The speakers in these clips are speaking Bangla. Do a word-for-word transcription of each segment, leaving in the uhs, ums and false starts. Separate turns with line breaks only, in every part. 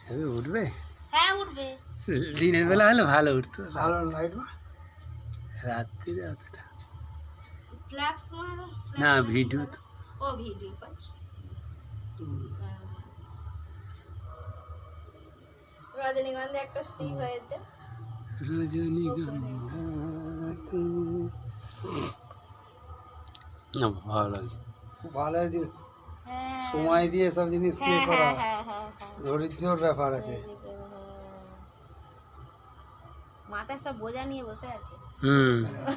ছবি উঠবে?
হ্যাঁ উঠবে।
দিনের বেলা হলে ভালো উঠতো,
ভালো লাইট
রাত্রিরে অতটা
ফ্ল্যাশ মারো।
না। ভিডিও তো
ও ভিডিও করছো। রজনীগন্ধা একটা স্টিক হয়েছে।
রজনীগন্ধা না ভালো লাগছে,
ভালো হয়েছে।
হ্যাঁ
সময় দিয়ে সব জিনিসকে
হ্যাঁ
করা
হ্যাঁ হ্যাঁ হ্যাঁ হ্যাঁ।
ধৈর্যর ব্যাপার আছে।
মাথায় সব বোঝা নিয়ে বসে আছে।
হুম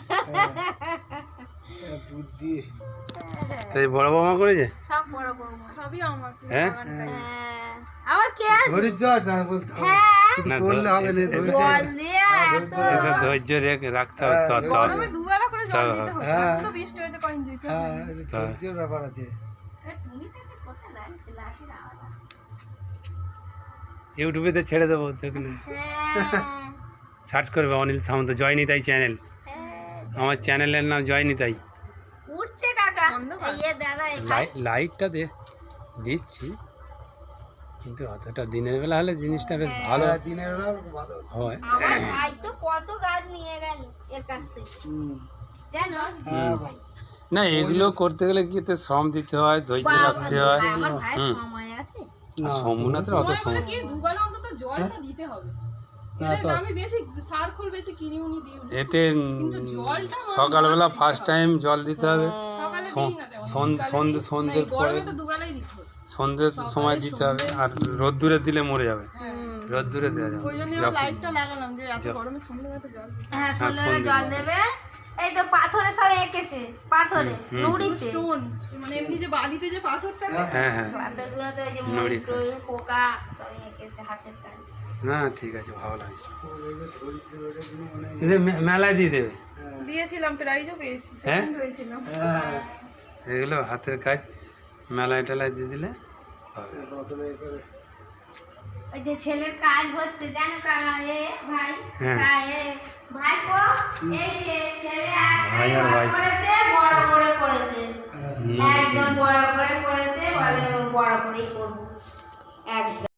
বুদ্ধি
তাই বড় বৌমা করেছে
সব বড় বৌমা।
সবই আমার।
হ্যাঁ
হ্যাঁ আবার কে আছে?
ধৈর্য আছে না বলতে হবে।
হ্যাঁ
শুধু
না,
করলে হবে না, ধৈর্য
জল দিয়ে এত
এসব ধৈর্য রেখে রাখতে হবে তো তো
গরমে দুবেলা করে জল দিতে হতো।
হ্যাঁ।
এখন তো বৃষ্টি হয়েছে কয়েক দিন।
হ্যাঁ ধৈর্যের ব্যাপার আছে।
এ, তুমি তো এটা কোথায় লাগছে? লাঠির আওয়াজ আসছে।
ইউটিউবেতে ছেড়ে দেবো দেখলে
হ্যাঁ
সার্চ করবে অনিল সামন্ত জয়নিতাই চ্যানেল।
হ্যাঁ।
আমার চ্যানেলের নাম জয়নিতাই।
উঠছে কাকা।
অন্ধকার।
এই যে দাদা এখানে।
লাই লাইটটা দে দিচ্ছি, কিন্তু অতটা দিনের বেলা হলে জিনিসটা বেশ ভালো
হ্যাঁ, দিনের বেলা ভালো।
হয়।
আমার ভাই তো কত গাছ নিয়ে গেল এর কাছ থেকে
হুম।
জানো?
হ্যাঁ ভাই।
না এগুলো করতে গেলে কি এতে শ্রম দিতে হয়, ধৈর্য
বাবা,
রাখতে হয়।
আমার ভাই
হুম।
সময় আছে।
না,
সমুনাতে অত
সময়
সময়
বলে কি দুবেলা অন্তত জলটা দিতে হবে।
না
এদের
তো
আমি বেশি সার খোল বেশি কিনে উনি দিই।
এতে উম,
কিন্তু জলটা আমার
সকালবেলা ফার্স্ট টাইম জল দিতে হবে,
সকালে
সন-
দিই না তেমন।
সন-
বিকালে
সন্ধে
দিই।
সন্ধ্যের
না, এই
পরে
গরমে তো দুবেলাই দিতে হবে।
সন্ধ্যের সময় দিতে হবে, আর রোদ্দুরে দিলে মরে যাবে, রোদ্দুরে দেওয়া যাবে
ওই জন্য
যখন-
লাইটটা লাগালাম যে এত গরমে সন্ধ্যেবেলা জল দিতে
হ্যাঁ সন্ধ্যাবেলা
সন্ধ্যে
জল
জল।
দেবে। এই তো পাথরে সব এঁকেছে, পাথরে
হুম।
নুড়িতে।
স্টোন মানে এমনি যে বালিতে যে পাথরটা
হ্যাঁ হ্যাঁ
পাথরগুলোতে ওই যে
নুড়ি
ময়ূর টয়ূর, পোকা সব এঁকেছে হাতের কাজ।
না ঠিক আছে, ভালো লাগছে। এদের মে- মেলায় দিয়ে দেবে
দিয়েছিলাম, প্রাইজও পেয়েছি,
হ্যাঁ?
সেকেন্ড হয়েছিলাম।
হ্যাঁ
এগুলো হাতের কাজ, মেলায় টেলায় দিয়ে দিলে হবে।
বোতলে করে
ওই যে ছেলের কাজ হচ্ছে জানো কা- এ ভাই
হ্যাঁ।
কা- এ ভাই কো এই যে ছেলে
ভাই আর
একটাই
ভাই।
করেছে, বড় করে করেছে, একদম বড় করে করেছে, বলে বড় করেই করবো একদম।